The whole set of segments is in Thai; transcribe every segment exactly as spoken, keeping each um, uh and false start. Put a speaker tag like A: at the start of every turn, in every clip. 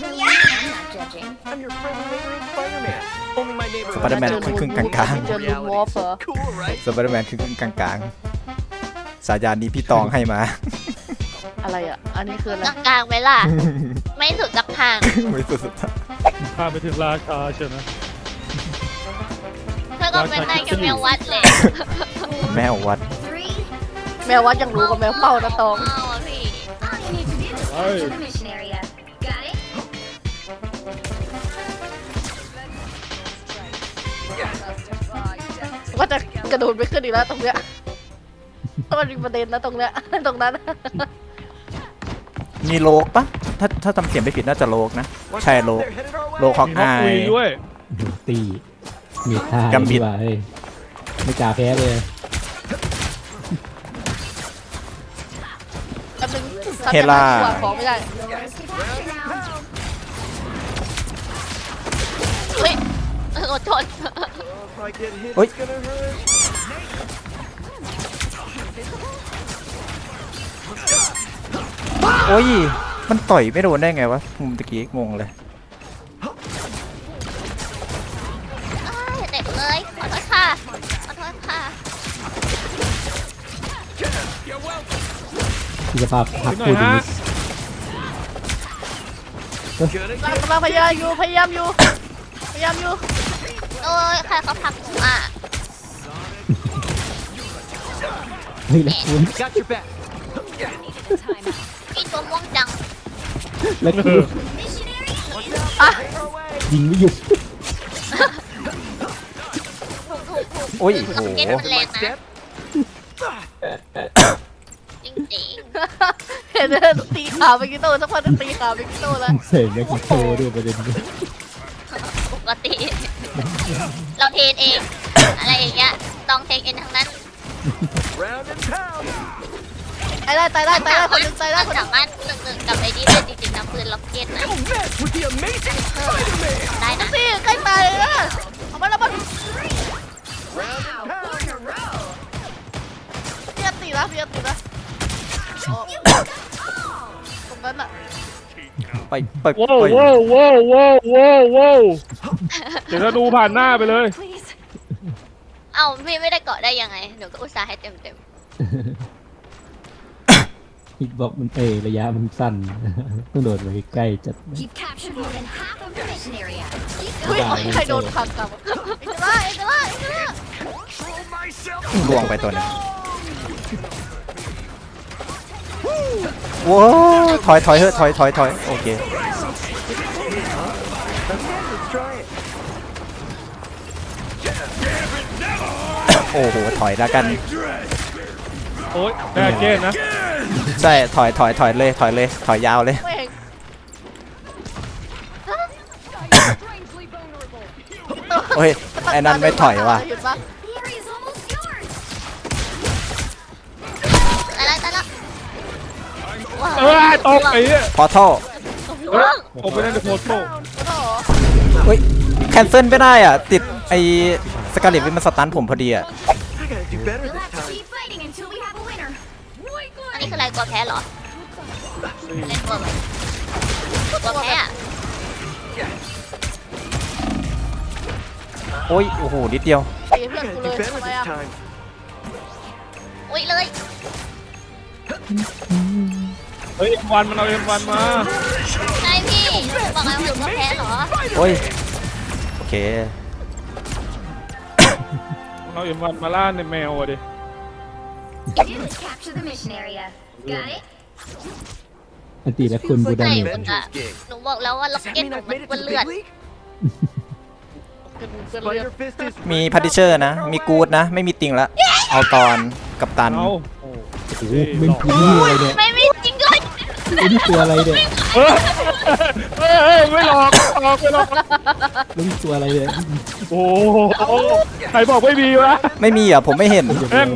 A: สไปเดอร์แมนครึ่งๆกลาง
B: เจอลูนวอล์ฟเหรอ
A: ๆสไปเดอร์แมนครึ่งๆกลางๆสายานนี้พี่ตองให้มา
B: อะไรอ่ะ อันนี้คืออะไร
C: กลางๆไหมล่ะ ไม่สุดสักทาง
A: ไม่สุด
D: ข้ามไปถึงราชาใช่ไหม
C: เธอก็เป็นนายกับแมววัดเลย
A: แม่วัด
B: แมววัดยังรู้กับแมวเป้านะตอง
C: อ้าวอะพี่
D: เฮ้ย
B: ว่าจะกระโดดไปขึ้นอีกแล้วตรงเนี้ยมันมีประเด็นนะตรงเนี้ยตรงนั้น
A: มีโลกปะถ้าถ้าจำเสียงไม่ผิดน่าจะโลกนะ ใช่โลกโลกฮอก
D: มีฮอก
A: อาย
D: คุยด้วย
E: ดูตีมีท่า
A: กัมบิด
E: ดีกว่าเฮ้ยไม่กล้าแพ้เลย
B: อันนึง
A: เฮล่า
B: ขวของไม่ได้
C: เฮ้ยอดทน
A: เฮ้ยโอ้ยมันต่อยไม่โดนได้ไงวะมุมตะกี้งงเลย
C: อ้ายเด็กเลย ขอโทษค่ะ ขอโทษค่ะ
E: ที่สภาพพัก
D: หน่อ
E: พู
D: ย
E: ด
D: ฮะ
E: นี้
B: กำลังพยายามอยู่พยายามอยู่พยายามอยู่
C: โอ้ยใครเขาผลักหนูอ่ะ
E: เฮ้ยแล้วคุณ
C: พี่ตัวม่วงจัง
E: แล้วคุณ
B: อ่ะ
E: ยิงไม่หยุด
C: ถูกถูกถูก
A: โอ้ย
C: คือ
A: โอ้โห
C: เก็ตมันแรงนะจริง
B: เห็นเลยตีขาไปกี่โต้สักพักนึงตีขาไปกี่โต้แล้ว
E: เสร็จแล้วกิโตด้วยประเด็นนี้
C: ๆปกติ เราเทรนเอง อะไรอย่างเงี้ยต้องเทรนเองทั้งนั้น
B: ตายได้ตายได้ตายได้คนหนึงตายได้
C: มัน
B: คนหนึ
C: สาง มารถหนึ่งหนึ่งกับไอ้นี่ได้จริงๆนะปืนล็อกเก็ตนะได้นะ
B: สิใกล้ตายเลยนะเอามาแล้วมันเพียตีนะเพียตีนะโอ้ตรงนั้นอ่ะ
A: ไปไป
D: ว้าว
A: ไป
D: ว้าวว้าวว้าวว้าวว้าวเดี๋ยวจะดูผ่านหน้าไปเลย
C: เอ้าพี่ไม่ได้เกาะได้ยังไงหนูก็อุตส่าห์ให้เต็มเต็ม
E: ฮิตบอกมันเอระยะมันสั้น ต้องโดดไปใกล้ๆจัด
F: You've captured more than half of the mission area.
B: เฮ้ยใครโดนขังกลับเอ็กซ์ล่าเอ็กซ์ล่าเอ็กซ์ล่า
A: ล่วงไปตัวหนึงโว้ยถอยถอยเฮ้ยถอยถอยถอยโอเคโอ้โหถอยแล้วกัน
D: โอ๊ยแม่เกนนะ
A: ใช่ถอยถอยถอยเลยถอยเลยถอยยาวเลย
B: ไม่เห็น
A: โอ้ยไอ้นั่นไม่ถอยว่ะ
B: เห็นปะ
F: The area's almost yours.
C: ตายแล้วตายแล้วว้าว
D: เออตกไอ้เนี่ย
A: พอท่อ
D: เออตกไปนั่นในโพสโต้
A: เฮ้ยแคนเซิลไม่ได้อ่ะติดไอ้สกาเลตวิมันสตันผมพอดีอ่ะ
F: We'll have to keep fighting until we have a winner.
C: อันนี้คืออะไรกลัวแพ้เหรอเล่นกลัวไหมกลัวแพ้อะ
A: โอ้ยโอ้โหนิดเดียว
B: ตีเพื่อนกูเลยทำไมอ่ะ
C: อุ้ยเลย
D: เฮ้ยเอ็มวันมันเอาเอ็มวันมา
C: ใช่พี่บอกไงว่าหนูกลัวแพ้เหรอ
A: โอ้ยโอเค
D: มันเอาเอ็มวันมาล่าในแมวอ่ะดิ
F: Let's capture the mission area. Got it?
E: อันตีและคุณบูดา
C: ใช่
E: มิ
C: คุณอะหนูบอกแล้วว่าล็อกเก็ตหนูมันเปื้อนเลือด
A: มีพัดดิเชอร์นะ มีกูดนะ ไม่มีติงละเอาตอนกับตัน
D: เอาโอ้
E: โอ้โหไม่คุ้นอะไรเนี่ย
C: ไม่มีจริงด้วย
E: ไอ้นี่ตัวอะไรเนี่ย
D: เฮ้ยเฮ้ยเฮ้ยไม่หลอกหลอกไม่หลอก
E: แล้วนี่ตัวอะไรเนี่ย
D: โอ้โหใครบอกไม่มีวะ
A: ไม่มีอ่ะผมไม่เห็น
D: แม่ง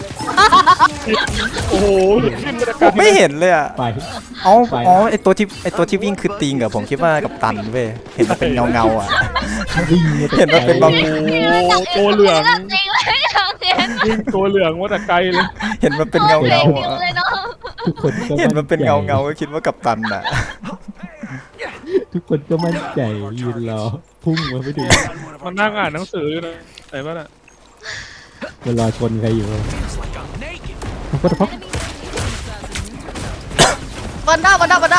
D: โอ้โหขึ้นมาจาก
A: ผมไม่เห็นเลยอ่ะ
E: ไป
A: เอ้าอ๋อไอตัวที่ไอตัวที่วิ่งคือติงอะผมคิดว่ากับตันเว้ยเห็นมันเป็นเงาเงาๆอ่ะ
E: วิ่งมาแต่
A: เห็นมันเป็นบาง
D: โอ้ตัวเหลือง
C: จริงเลยอย่างเนี้ย
D: วิ่งตัวเหลืองมาแต่ไกลเลย
A: เห็นมันเป็นเงา
C: เด็
A: เงาก
C: จริง
A: อ่ะ
C: เลยเนาะ
E: ทุกคนก็
A: เห็นมันเป็นเงาเงาๆก็คิดว่ากับตันอ่ะ
E: ทุกคนก็มั่นใจยืนรอพุ่งมาไม่ดู
D: มันนั่งอ่านหนังสืออยู่นะไหนบ้างอ่ะ
E: มันรอชนใครอยู่มันก็ตะพัก
B: วันด้าวันด้าวันด้า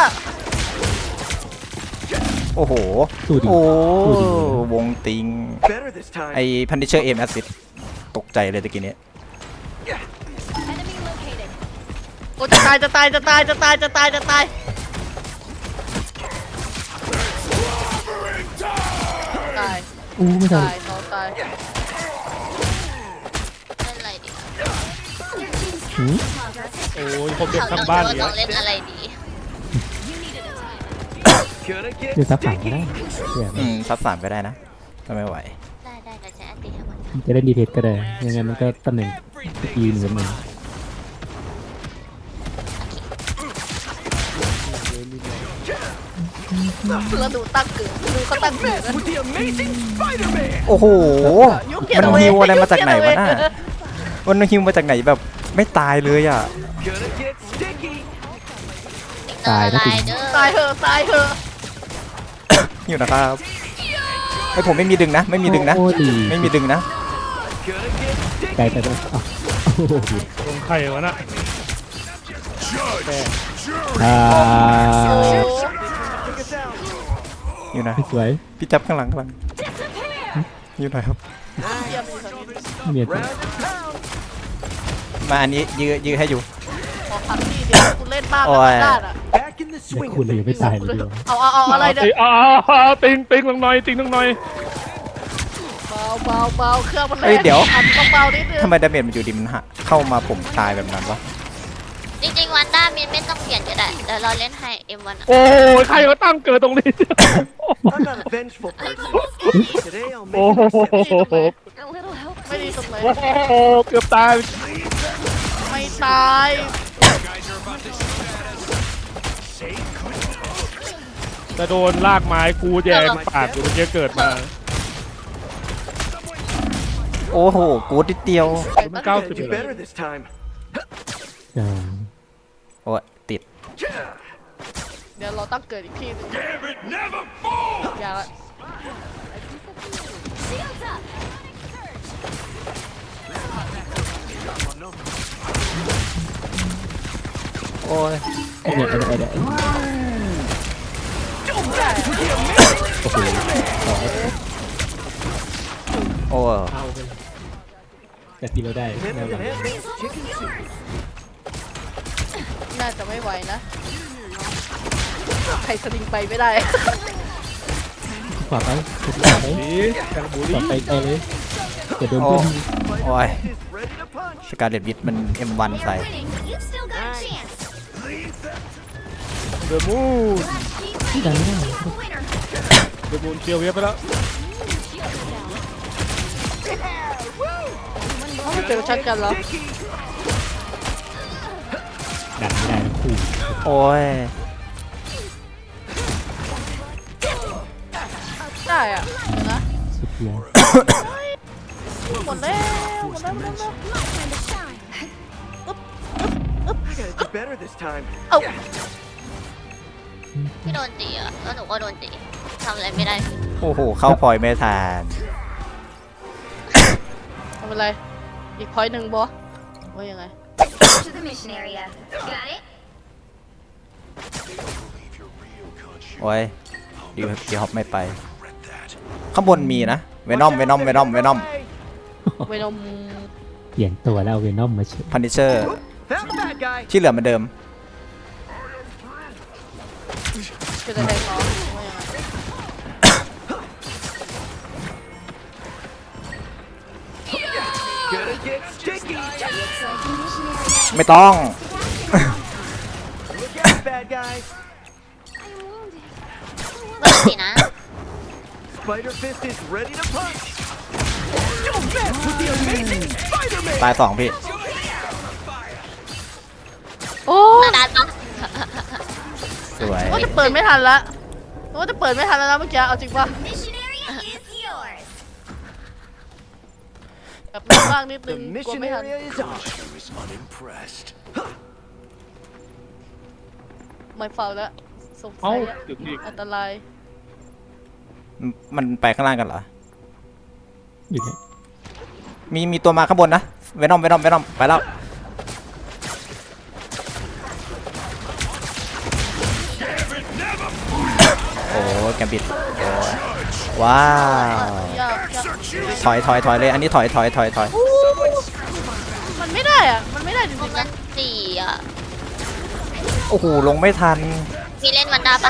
A: โอ้โห
E: สู้ดิ
A: โอ้
E: สู้ดิ
A: วงติง
G: Better this time.
A: ไอ้พันดิเชอร์เอมแอซิดตกใจเลยตะกี้นี้
F: Enemy located.
B: โอ้จะตายจะตายจะตายจะตายจะตายจะตาย ตาย
E: อู้ไม่ทัน
B: ตายน้องตาย
C: เล่นอะไรดี
E: หืม
D: โอ้ยผมเด็กทั้งบ้าน
C: เรา
D: เนี่
C: ต้อย งเล่นอะไรดี
G: Gonna get
E: เดี๋ยวซับสามก็
G: sticky.
E: ได้เดี๋ยว
A: อืมซับสามก็ได้นะถ้าไม่ไหว
C: ได้ได้แต่ใช้อันตีให้มัน
E: จะเล่นดีเทสก็ได้ยังไงมันก็ตำแหน่งยืนเหมือนกัน
B: แล้วดูตั้งเกิดดูเขาตั้งเกิดนะ
G: With the amazing Spider-Man.
A: โอ้โห
B: ยุคเกียร
A: มัน
B: ติเว
A: ฮิวอะไรมาจากไหนวะ
B: ยุค
A: น่ะ
B: เกียรติเว
A: มันฮิวมาจากไหนแบบไม่ตายเลยอ่ะ
G: Gonna get sticky.
C: ตายนะเด้อ
B: ตายเถอะตายเถอะ
A: อยู่นะครับไอผมไม่มีดึงนะ ไม่มีดึงนะ
E: โอ้ดี
A: ไม่มีดึงนะ
G: Gonna get sticky.
E: ไกลไปแล้วอ้าวโอ้โห
D: ลงไข่วะน่ะ
E: อ่า
B: โอ้
G: Take us out.
A: อยู่นะ
E: สวย
A: พี่จับข้างหลังข้างหลังอยู่หน่อยครับ
B: เยี่ยมเลยครับ
E: ไม่มีอะไร
G: Round and pound.
A: มาอันนี้ยื้อยื้อให้อยู่
B: ขอพักที่เดียวกูเล่นบ้า
A: โอ้
B: แบบ
A: ย
B: ด้านอ่ะ
G: Back in the
E: แต่
G: swing.
E: คุณเลยยังไม่ตายเลยเดียว
B: เอาเอาเอาอะไรเนี่ย
D: เอาเอาเอาติงติงลงหน่อยติงลงหน่อย
B: เบาเบาเบาเครื่องมันแร
A: เอ้ย
B: ง
A: เดี๋ยว
B: อันเบาๆนิดนึง
A: ทำไมดาเมจมันอยู่ดีมันหะเข้ามาผมตายแบบนั้นวะ
C: จริงๆวันด้ามินไม่ต้องเปลี่ยนก็ได้เดี๋ยวเราเล่นให้เอ็มวัน
D: โอ้ยใครมาตั้งเกิดตรงนี้
G: I'm not a vengeful person. Today I'll
D: โอ้
G: make
D: โห
G: an exception.
F: A little help.
B: ไม่ดีตรงไหน
D: โอ้โหเกือบตาย
B: ไม่ตาย
D: จะโดนลากไม้กูแยงปากอยู่เมื่อกี้เกิดมา
A: โอ้โหกูดนิดเดียว
D: มันเก้าสิบ
G: Do
D: เลย
G: better this time.
E: อ่า
A: โอ้ยติด
B: เดี๋ยวเราต้องเกิดอีกทีหนึงอย่าละ
F: Shields up.
A: โอ้ย
E: ไอ้เนี่ยไอ้เนี่ยไอ้เนี่ยโอ้โห
A: โอ้ย
E: เอาไปแต่ที่เราได้
G: Hand
E: แน่
G: in
E: นอน
G: hand makes chicken soup.
B: น่าจะไม่ไหวนะใครสลิงไปไม่ได้
E: ขวาไปขวาไป
D: ดีจังบุ
E: ขวา
D: รี
E: ไปไกลเลยจะโดน
A: โอ้
E: เพื่อน
A: โอ้ย
G: Is ready to punch.
A: สการเลตวิทมัน เอ็ม วัน
F: They
A: ใส่
F: are winning. You've still got a chance.
D: เดอะมูน
E: ที่ดันไม่ได้
F: Winner.
D: เดอะมูนเชียวเวียบไปแล้ว
B: ไม่เจอชัดกันเหรอ
G: Sticky.
E: ดันไม่ได้ทั้งคู่
A: โอ้ย
B: ได้อ่ะเดี๋ยวนะ
E: สุดยอด
B: หมดแล้วหมดแล้วหมดแล้ว
F: Time to shine.
G: I gotta do better this time.
B: เอ้า
C: พี่โดนตีอ่ะแล้วหนูก็โดนตีทำอะไรไม่ได้
A: โอ้โห เข้าพลอยไม่ทัน
B: ทำอะไรอีกพอยต์หนึ่งบอว่ายังไง
F: To the mission area. Got it?
A: โอ้ยดีดีฮอปไม่ไป ข้างบนมีนะ เวนอม เวนอม เวนอม เวนอม
B: เวนอม
E: เปลี่ยนตัวแล้วเอาเวนอมมาเช
A: พันดิเชอร์
G: Found the bad guy.
A: ที่เหลือเหมือนเดิม
B: เป็นอะไรเนาะว่ายังไง
G: Gonna get sticky.
F: Looks like the mission area.
A: ไม่ต้อง
G: Look out, bad guys.
F: I'm wounded.
C: เปิดสินะ
G: Spider Fist is ready to punch. Don't mess with the amazing Spider-Man.
A: ตายสองพี่
B: โอ้
C: นาดานปะ
A: สวย
B: ว่าจะเปิดไม่ทันละว่าจะเปิดไม่ทันแล้วนะเมื่อกี้เอาจริงป่ะ
F: Mission area is yours.
B: แบบมีบ้างนิดนึ
G: The
B: งกลัว
G: mission
B: ไม่ทัน
G: area is ours.
B: ไม่เฝ้าแล้วสงสั
D: เอ้าย
B: อะ
D: เดี๋ยวอีก
B: อันตราย
A: มันมันไปข้างล่างกันเหรอ
E: อยู่เนี่ย
A: มีมีตัวมาข้างบนนะเวนอมเวนอมเวนอมไปแล้วโอ้แกมบิดโอ้ว้าว
B: ยากยาก
A: ถอยถอยถอยเลยอันนี้ถอยถอยถอยถอย
B: อู้มันไม่ได้อ่ะ มันไม่ได้จ
C: พว
B: ริ
C: ก
B: งๆ
C: นั้
B: นะ
C: นสี่อ่ะ
A: โอ้โหลงไม่ทัน
C: มีเล่นวันดาปะ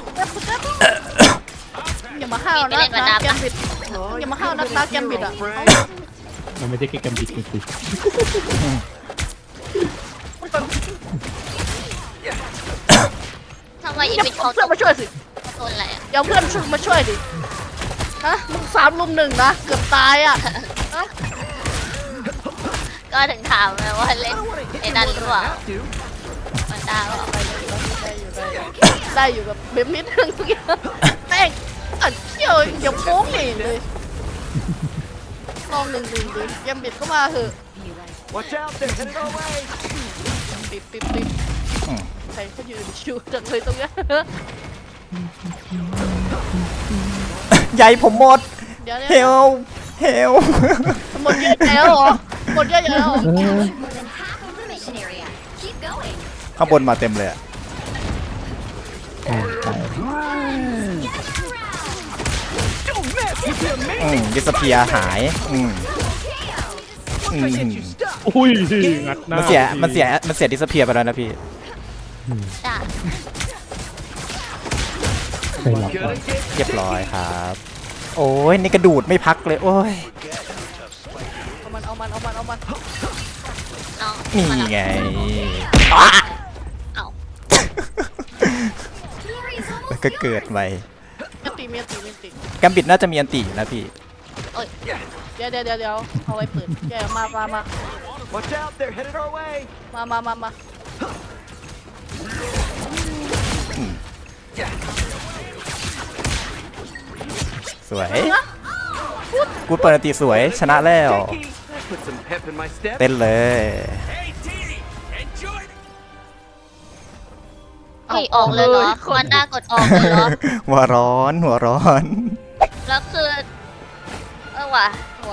B: อย่ามาห้าว
C: มี
B: นะ
C: ไปเล่นวัน
B: นะ
C: ดา
B: แก
C: ปะ
B: มบิด อย่ามาห้าวนักนะแกมบิดอ่ะ
E: มันไม่ใช่แค่กำบิดจริง
C: ทำไมอี
B: อย่า
C: วิท
B: เอา
C: เขา
B: เพื่อนมาช่วยสิ
C: โดนอะไรอ่ะ
B: อย่าเอาเพื่อนมาช่วยดิฮะมึงสามลุมหนึ่งนะ เกือบตายอ่ะฮะ
C: ก็ถึงถามไงว่าเล่นไอ้นั่นหรือเปล่า
G: Have to.
C: วันดาเปล่า
B: ได้อยู่กับเบมนิดนึงแม่งอัดเที่ยวอย่าโป้งนี่เลยลองหนึ่งหนึ่งดิแกมบิดก็มาเถอะ
G: Watch out, they're headed our way.
B: ปิดปิดปิด
A: อืม
B: ใครเขายืนชิวจังเลยตรงเนี้ย
A: ใหญ่ผมหมด
B: เดี๋ยว
A: เฮ
B: เดี๋ยว
A: ลเฮล
B: หมดเยอะแล้วเหรอหมดเยอะแล้วเหรอ
E: ๆเออ
F: More than half of the mission area. Keep going.
A: ข้างบนมาเต็มเลยอะ
E: ใช่ใช่
G: Don't mess with the
A: อืม
G: amazing
A: ดิสเพียหายอืมอืม
G: I get you stuck.
D: อุ้ยงัดหน้า
A: มันเสียมันเสียมันเสียดิสเพียไปแล้วนะพี่
C: จ้ะ
E: เคยหลับก่อน
G: Gonna get
A: เรียบร้อยครับ โอ้ยนี่กระดูดไม่พักเลย โอ้ย
B: เอามันเอามันเอามันเอามัน
C: น้อง
A: นี่
C: มาแล้ว
A: ไง
C: เอ้า
F: Fury's almost
A: แล้วก็เกิดไป
B: เมียตีเมียตีเมียตี
A: แกมบิดน่าจะมีอันตีอยู่นะพี่
B: เดี๋ยวเดี๋ยวเดี๋ยวเดี๋ยวเอาไว้เปิดแกมามามา
G: Watch out, they're headed our way.
B: มามามามา
A: สวย กูเปิดอันตีสวยชนะแล้ว
G: Jakey, that put some pep in my step.
A: เต้นเลย
C: เฮ้ยออกเลยเหรอวันดากดออกเลยเหรอ
A: หัวร้อนหัวร้อน
C: แล้วคือเออว่ะ
B: หัว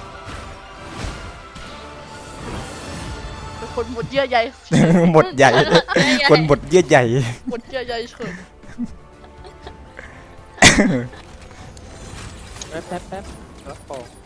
B: เป็นคนหมดเยื่อใย
A: หมดใหญ่ คนหมดเยื่อใหญ่
B: หมดเยื่อใยเฉิน
E: แป๊บแป๊บแป๊บแล้วออก